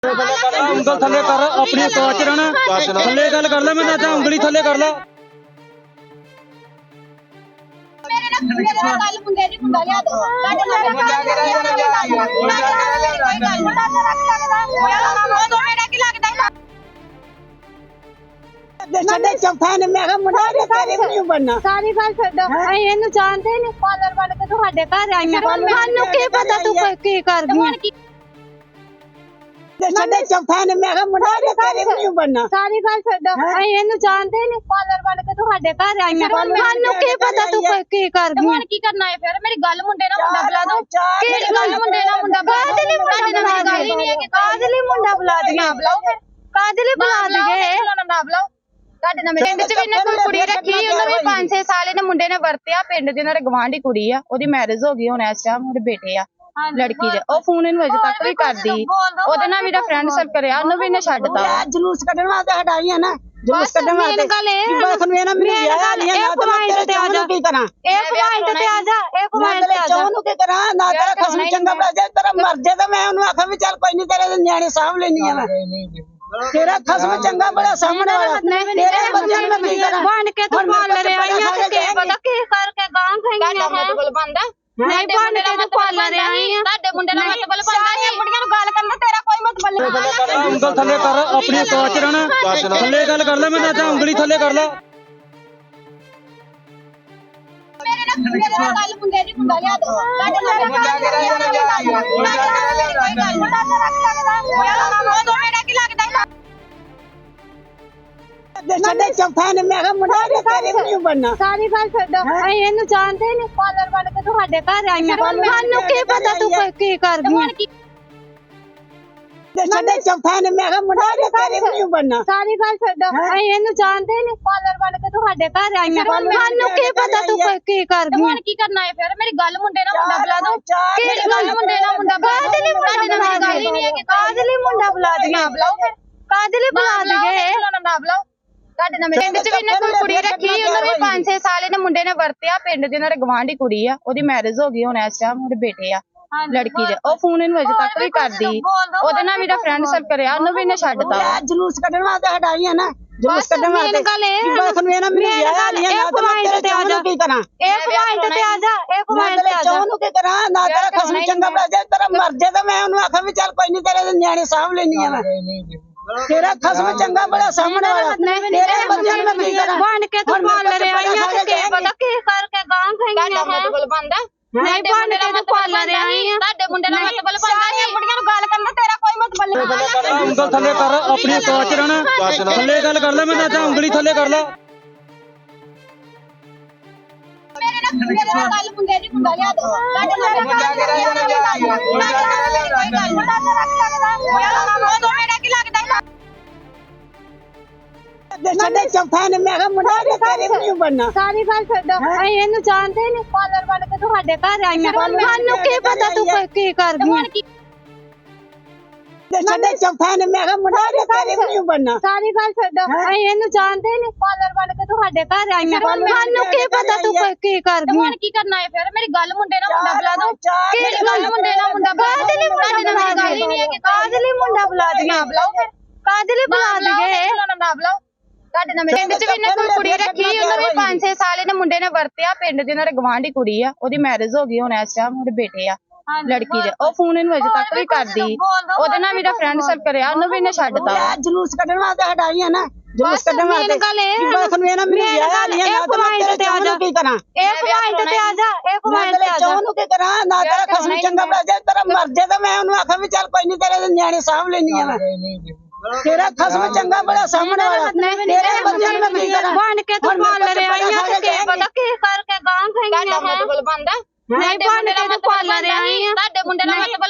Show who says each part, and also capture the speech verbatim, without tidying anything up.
Speaker 1: ਉਂਗਲ ਥੱਲੇ ਕਰ ਆਪਣੀ ਸੋਚ ਚ ਰਹਿਣਾ ਥੱਲੇ ਗੱਲ ਕਰ ਲੈ ਮੈਂ ਤਾਂ ਉਂਗਲੀ ਥੱਲੇ ਕਰ ਲੈ
Speaker 2: ਮੇਰੇ ਨਾਲ ਗੱਲ ਮੁੰਡੇ ਦੀ ਮੁੰਡਾ ਲਿਆ ਦੋ ਸਾਡੇ ਨਾਲ ਮੇਰਾ ਕੀ ਲੱਗਦਾ
Speaker 3: ਸਾਡੇ ਚੌਥਾ ਨੇ ਮੈਂ ਕਿਹਾ ਮੁੰਡਾ ਦੇ ਤੇਰੇ ਵੀ ਨਹੀਂ ਬਣਨਾ
Speaker 2: ਸਾਰੀ ਗੱਲ ਛੱਡੋ ਅਸੀਂ ਇਹਨੂੰ ਜਾਣਦੇ ਨਹੀਂ ਪਾਰਲਰ ਬਣ ਕੇ ਤੁਹਾਡੇ ਘਰ ਆਈਆਂ ਸਾਨੂੰ ਕੀ ਪਤਾ ਤੂੰ ਕੀ ਕਰਦੀ
Speaker 3: ਸਾਡੇ ਚੌਥਾ ਨੇ ਮੈਂ ਕਿਹਾ ਮੁੰਡਾ ਦੇ ਤੇਰੇ ਵੀ ਨਹੀਂ ਬਣਨਾ
Speaker 2: ਸਾਰੀ ਗੱਲ ਛੱਡੋ ਅਸੀਂ ਇਹਨੂੰ ਜਾਣਦੇ ਨਹੀਂ ਪਾਰਲਰ ਬਣ ਕੇ ਤੁਹਾਡੇ ਘਰ ਆਈਆਂ ਸਾਨੂੰ ਕੀ ਪਤਾ ਤੂੰ ਕੀ ਕਰਦੀ ਹੁਣ ਕੀ ਕਰਨਾ ਹੈ ਫਿਰ ਮੇਰੀ ਗੱਲ ਮੁੰਡੇ ਨਾਲ ਮੁੰਡਾ ਬੁਲਾ ਦੋ ਕਿਹੜੀ ਗੱਲ ਮੁੰਡੇ ਨਾਲ ਮੁੰਡਾ ਬੁਲਾ ਦੇ ਮੁੰਡੇ ਨਾਲ ਮੇਰੀ ਗੱਲ ਹੀ ਨਹੀਂ ਹੈ ਕਿ ਕਾਦਲੀ ਮੁੰਡਾ ਬੁਲਾ ਦੇ ਨਾ ਬੁਲਾਓ ਫਿਰ ਕਾਦਲੀ ਬੁਲਾ ਦਈਏ ਨਾ ਬੁਲਾਓ ਤੁਹਾਡੇ ਨਾਲ ਪਿੰਡ ਚ ਵੀ ਇਹਨੇ ਕੋਈ ਕੁੜੀ ਰੱਖੀ ਉਹਨੂੰ ਵੀ ਪੰਜ ਛੇ ਸਾਲ ਇਹਨੇ ਮੁੰਡੇ ਨੇ ਵਰਤਿਆ ਪਿੰਡ ਦੇ ਨਾਲ ਗਵਾਂਢੀ ਕੁੜੀ ਆ ਉਹਦੀ ਮੈਰਿਜ ਹੋ ਗਈ ਹੁਣ ਇਸ ਟਾਈਮ ਉਹਦੇ ਬੇਟੇ ਆ ਲੜਕੀ ਦੇ ਉਹ ਫੋਨ ਇਹਨੂੰ ਅਜੇ ਤੱਕ ਵੀ ਕਰਦੀ ਉਹਦੇ ਨਾਲ ਮੇਰਾ ਫਰੈਂਡ ਸਰਕਲ ਆ ਉਹਨੂੰ ਵੀ ਇਹਨੇ ਛੱਡਤਾ
Speaker 3: ਜਲੂਸ ਕੱਢਣ ਵਾਸਤੇ ਹਟਾਈਆਂ ਨਾ ਜਲੂਸ ਕੱਢਣ ਵਾਸਤੇ
Speaker 2: ਗੱਲ ਇਹ
Speaker 3: ਬਸ ਨੂੰ ਇਹਨਾਂ ਮੈਨੂੰ ਵਿਆਹ ਨਹੀਂ ਨਾ ਤੇ ਮੈਂ ਤੇਰੇ ਚਾਹ ਕੀ ਕਰਾਂ
Speaker 2: ਇਹ ਪੁਆਇੰਟ ਤੇ ਆ ਜਾ ਇਹ ਪੁਆਇੰਟ ਤੇ ਆ ਜਾ
Speaker 3: ਚਾਹ ਨੂੰ ਕੀ ਕਰਾਂ ਨਾ ਤੇਰਾ ਖਸਮ ਚੰਗਾ ਬਣਾ ਜੇ ਤੇਰਾ ਮਰ ਜੇ ਤਾਂ ਮੈਂ ਉਹਨੂੰ ਆਖਾਂ ਵੀ ਚੱਲ ਕੋਈ ਨਹੀਂ ਤੇਰੇ ਨਿਆਣੇ ਸਾਂਭ ਲੈਣੀ ਆ ਮੈਂ ਤੇਰਾ ਖਸਮ ਚੰਗਾ ਬੜਾ ਸਾਹਮਣੇ ਵਾਲਾ ਤੇਰੇ ਬੰਦਿਆਂ ਨੂੰ ਕੀ ਕਰਾਂ
Speaker 2: ਬਣ ਕੇ ਤੂੰ ਪਾਰਲਰ ਆਈਆਂ ਤੇ ਕੀ ਪਤਾ ਕੀ ਕਰਕੇ ਗਾਂ ਖਾਈਆਂ ਹੈ
Speaker 4: ਬੰਦਾ
Speaker 2: ਨਹੀਂ ਬਣ ਕੇ ਤੂੰ ਪਾਰਲਰ ਆਈਆਂ
Speaker 4: ਤੁਹਾਡੇ ਮੁੰਡੇ ਨਾਲ ਮਤਲਬ ਬੰਦਾ ਹੈ ਮੁੰਡਿਆਂ ਨੂੰ ਗੱਲ ਕਰਨਾ ਤੇਰਾ ਕੋਈ ਮਤਲਬ ਨਹੀਂ
Speaker 1: ਉਂਗਲ ਥੱਲੇ ਕਰ ਆਪਣੀ ਸੋਚ ਚ ਰਹਿਣਾ ਥੱਲੇ ਗੱਲ ਕਰ ਲੈ ਮੈਂ ਤਾਂ ਉਂਗਲੀ ਥੱਲੇ ਕਰ ਲੈ
Speaker 2: ਮੇਰੇ ਨਾਲ ਗੱਲ ਮੁੰਡੇ ਦੀ ਮੁੰਡਾ ਲਿਆ ਦੋ ਸਾਡੇ ਨਾਲ ਮੇਰਾ ਕੀ ਲੱਗਦਾ
Speaker 3: ਸਾਡੇ ਚੌਥਾ ਨੇ ਮੈਂ ਕਿਹਾ ਮੁੰਡਾ ਦੇ ਤੇਰੇ ਵੀ ਨਹੀਂ ਬਣਨਾ
Speaker 2: ਸਾਰੀ ਗੱਲ ਛੱਡੋ ਅਸੀਂ ਇਹਨੂੰ ਜਾਣਦੇ ਨਹੀਂ ਪਾਰਲਰ ਬਣ ਕੇ ਤੁਹਾਡੇ ਘਰ ਆਈਆਂ ਸਾਨੂੰ ਕੀ ਪਤਾ ਤੂੰ ਕੀ ਕਰਦੀ
Speaker 3: ਸਾਡੇ ਚੌਥਾ ਨੇ ਮੈਂ ਕਿਹਾ ਮੁੰਡਾ ਦੇ ਤੇਰੇ ਵੀ ਨਹੀਂ ਬਣਨਾ
Speaker 2: ਸਾਰੀ ਗੱਲ ਛੱਡੋ ਅਸੀਂ ਇਹਨੂੰ ਜਾਣਦੇ ਨਹੀਂ ਪਾਰਲਰ ਬਣ ਕੇ ਤੁਹਾਡੇ ਘਰ ਆਈਆਂ ਸਾਨੂੰ ਕੀ ਪਤਾ ਤੂੰ ਕੀ ਕਰਦੀ ਹੁਣ ਕੀ ਕਰਨਾ ਹੈ ਫਿਰ ਮੇਰੀ ਗੱਲ ਮੁੰਡੇ ਨਾਲ ਮੁੰਡਾ ਬੁਲਾ ਦੋ ਕਿਹੜੀ ਗੱਲ ਮੁੰਡੇ ਨਾਲ ਮੁੰਡਾ ਕਾਦਲੀ ਮੁੰਡਾ ਨਾਲ ਮੇਰੀ ਗੱਲ ਹੀ ਨਹੀਂ ਹੈ ਕਿ ਕਾਦਲੀ ਮੁੰਡਾ ਬੁਲਾ ਦੇ ਨਾ ਬੁਲਾਓ ਫਿਰ ਕਾਦਲੀ ਬੁਲਾ ਦਈਏ ਨਾ ਬੁਲਾਓ ਤੁਹਾਡੇ ਨਾਲ ਪਿੰਡ ਚ ਵੀ ਇਹਨੇ ਕੋਈ ਕੁੜੀ ਰੱਖੀ ਉਹਨੂੰ ਵੀ ਪੰਜ ਛੇ ਸਾਲ ਇਹਨੇ ਮੁੰਡੇ ਨੇ ਵਰਤਿਆ ਪਿੰਡ ਦੇ ਨਾਲ ਗਵਾਂਢੀ ਕੁੜੀ ਆ ਉਹਦੀ ਮੈਰਿਜ ਹੋ ਗਈ ਹੁਣ ਇਸ ਟਾਈਮ ਉਹਦੇ ਬੇਟੇ ਆ ਲੜਕੀ ਦੇ ਉਹ ਫੋਨ ਇਹਨੂੰ ਅਜੇ ਤੱਕ ਵੀ ਕਰਦੀ ਉਹਦੇ ਨਾਲ ਮੇਰਾ ਫਰੈਂਡ ਸਰਕਲ ਆ ਉਹਨੂੰ ਵੀ ਇਹਨੇ ਛੱਡਤਾ
Speaker 3: ਜਲੂਸ ਕੱਢਣ ਵਾਸਤੇ ਹਟਾਈਆਂ ਨਾ ਜਲੂਸ ਕੱਢਣ ਵਾਸਤੇ
Speaker 2: ਗੱਲ ਇਹ
Speaker 3: ਬਸ ਨੂੰ ਇਹਨਾਂ ਮੈਨੂੰ ਵਿਆਹ ਨਹੀਂ ਨਾ ਤੇ ਮੈਂ ਤੇਰੇ ਚਾਹ ਨੂੰ ਕੀ ਕਰਾਂ
Speaker 2: ਇਹ ਪੁਆਇੰਟ ਤੇ ਆ ਜਾ ਇਹ ਪੁਆਇੰਟ ਤੇ ਆ ਜਾ
Speaker 3: ਚਾਹ ਨੂੰ ਕੀ ਕਰਾਂ ਨਾ ਤੇਰਾ ਖਸਮ ਚੰਗਾ ਬਣਾ ਜੇ ਤੇਰਾ ਮਰ ਜੇ ਤਾਂ ਮੈਂ ਉਹਨੂੰ ਆਖਾਂ ਵੀ ਚੱਲ ਕੋਈ ਨਹੀਂ ਤੇਰੇ ਨਿਆਣੇ ਸਾਂਭ ਲੈਣੀ ਆ ਮੈਂ ਤੇਰਾ ਖਸਮ ਚੰਗਾ ਬੜਾ ਸਾਹਮਣੇ ਵਾਲਾ ਤੇਰੇ ਬੰਦਿਆਂ ਨੂੰ ਕੀ ਕਰਾਂ
Speaker 2: ਬਣ ਕੇ ਤੂੰ ਪਾਰਲਰ ਆਈਆਂ ਤੇ ਕੀ ਪਤਾ ਕੀ ਕਰਕੇ ਗਾਂ ਖਾਈਆਂ
Speaker 4: ਤੁਹਾਡਾ ਮਤਲਬ ਬੰਦਾ
Speaker 2: ਨਹੀਂ ਬਣ ਕੇ ਤੂੰ ਪਾਰਲਰ ਆਈਆਂ
Speaker 4: ਤੁਹਾਡੇ ਮੁੰਡੇ ਨਾਲ ਮਤਲਬ ਬੰਦਾ ਹੈ ਮੁੰਡਿਆਂ ਨੂੰ ਗੱਲ ਕਰਨਾ ਤੇਰਾ ਕੋਈ ਮਤਲਬ ਨਹੀਂ
Speaker 1: ਉਂਗਲ ਥੱਲੇ ਕਰ ਆਪਣੀ ਸੋਚ ਚ ਰਹਿਣਾ ਥੱਲੇ ਗੱਲ ਕਰ ਲੈ ਮੈਂ ਤਾਂ ਉਂਗਲੀ ਥੱਲੇ ਕਰ ਲੈ
Speaker 2: ਮੇਰੇ ਨਾਲ ਗੱਲ ਮੁੰਡੇ ਦੀ ਮੁੰਡਾ ਲਿਆ ਦੋ ਸਾਡੇ ਨਾਲ ਮੇਰਾ ਕੀ ਲੱਗਦਾ
Speaker 3: ਸਾਡੇ ਚੌਥਾ ਨੇ ਮੈਂ ਕਿਹਾ ਮੁੰਡਾ ਦੇ ਤੇਰੇ ਵੀ ਨਹੀਂ ਬਣਨਾ
Speaker 2: ਸਾਰੀ ਗੱਲ ਛੱਡੋ ਅਸੀਂ ਇਹਨੂੰ ਜਾਣਦੇ ਨਹੀਂ ਪਾਰਲਰ ਬਣ ਕੇ ਤੁਹਾਡੇ ਘਰ ਆਈਆਂ ਸਾਨੂੰ ਕੀ ਪਤਾ ਤੂੰ ਕੀ ਕਰਦੀ
Speaker 3: ਸਾਡੇ ਚੌਥਾ ਨੇ ਮੈਂ ਕਿਹਾ ਮੁੰਡਾ ਦੇ ਤੇਰੇ ਵੀ ਨਹੀਂ ਬਣਨਾ
Speaker 2: ਸਾਰੀ ਗੱਲ ਛੱਡੋ ਅਸੀਂ ਇਹਨੂੰ ਜਾਣਦੇ ਨਹੀਂ ਪਾਰਲਰ ਬਣ ਕੇ ਤੁਹਾਡੇ ਘਰ ਆਈਆਂ ਸਾਨੂੰ ਕੀ ਪਤਾ ਤੂੰ ਕੀ ਕਰਦੀ ਹੁਣ ਕੀ ਕਰਨਾ ਹੈ ਫਿਰ ਮੇਰੀ ਗੱਲ ਮੁੰਡੇ ਨਾਲ ਮੁੰਡਾ ਬੁਲਾ ਦੋ ਕਿਹੜੀ ਗੱਲ ਮੁੰਡੇ ਨਾਲ ਮੁੰਡਾ ਕਾਦਲੀ ਮੁੰਡਾ ਨਾਲ ਮੇਰੀ ਗੱਲ ਹੀ ਨਹੀਂ ਹੈ ਕਿ ਕਾਦਲੀ ਮੁੰਡਾ ਬੁਲਾ ਦੇ ਨਾ ਬੁਲਾਓ ਫਿਰ ਕਾਦਲੀ ਬੁਲਾ ਦਈਏ ਨਾ ਬੁਲਾਓ ਤੁਹਾਡੇ ਨਾਲ ਪਿੰਡ ਚ ਵੀ ਇਹਨੇ ਕੋਈ ਕੁੜੀ ਰੱਖੀ ਉਹਨੂੰ ਵੀ ਪੰਜ ਛੇ ਸਾਲ ਇਹਨੇ ਮੁੰਡੇ ਨੇ ਵਰਤਿਆ ਪਿੰਡ ਦੇ ਨਾਲ ਗਵਾਂਢੀ ਕੁੜੀ ਆ ਉਹਦੀ ਮੈਰਿਜ ਹੋ ਗਈ ਹੁਣ ਇਸ ਟਾਈਮ ਉਹਦੇ ਬੇਟੇ ਆ ਲੜਕੀ ਦੇ ਉਹ ਫੋਨ ਇਹਨੂੰ ਅਜੇ ਤੱਕ ਵੀ ਕਰਦੀ ਉਹਦੇ ਨਾਲ ਮੇਰਾ ਫਰੈਂਡ ਸਰਕਲ ਆ ਉਹਨੂੰ ਵੀ ਇਹਨੇ ਛੱਡਤਾ
Speaker 3: ਜਲੂਸ ਕੱਢਣ ਵਾਸਤੇ ਹਟਾਈਆਂ ਨਾ ਜਲੂਸ ਕੱਢਣ ਵਾਸਤੇ
Speaker 2: ਗੱਲ ਇਹ
Speaker 3: ਬਸ ਨੂੰ ਇਹਨਾਂ ਮੈਨੂੰ ਵਿਆਹ ਨਹੀਂ ਨਾ ਤੇ ਮੈਂ ਤੇਰੇ ਚਾਹ ਨੂੰ ਕੀ ਕਰਾਂ
Speaker 2: ਇਹ ਪੁਆਇੰਟ ਤੇ ਆ ਜਾ ਇਹ ਪੁਆਇੰਟ ਤੇ ਆ ਜਾ
Speaker 3: ਚਾਹ ਨੂੰ ਕੀ ਕਰਾਂ ਨਾ ਤੇਰਾ ਖਸਮ ਚੰਗਾ ਬਣਾ ਜੇ ਤੇਰਾ ਮਰ ਜੇ ਤਾਂ ਮੈਂ ਉਹਨੂੰ ਆਖਾਂ ਵੀ ਚੱਲ ਕੋਈ ਨਹੀਂ ਤੇਰੇ ਨਿਆਣੇ ਸਾਂਭ ਲੈਣੀ ਆ ਮੈਂ ਤੇਰਾ ਖਸਮ ਚੰਗਾ ਬੜਾ ਸਾਹਮਣੇ ਵਾਲਾ ਤੇਰੇ ਬੰਦਿਆਂ ਨੂੰ ਕੀ ਕਰਾਂ
Speaker 2: ਬਣ ਕੇ ਤੂੰ ਪਾਰਲਰ ਆਈਆਂ ਤੇ ਕੀ ਪਤਾ ਕੀ ਕਰਕੇ ਗਾਂ ਖਾਈਆਂ
Speaker 4: ਤੁਹਾਡਾ ਮਤਲਬ ਬੰਦਾ
Speaker 2: ਨਹੀਂ ਬਣ ਕੇ ਤੂੰ ਪਾਰਲਰ ਆਈਆਂ
Speaker 4: ਤੁਹਾਡੇ ਮੁੰਡੇ ਨਾਲ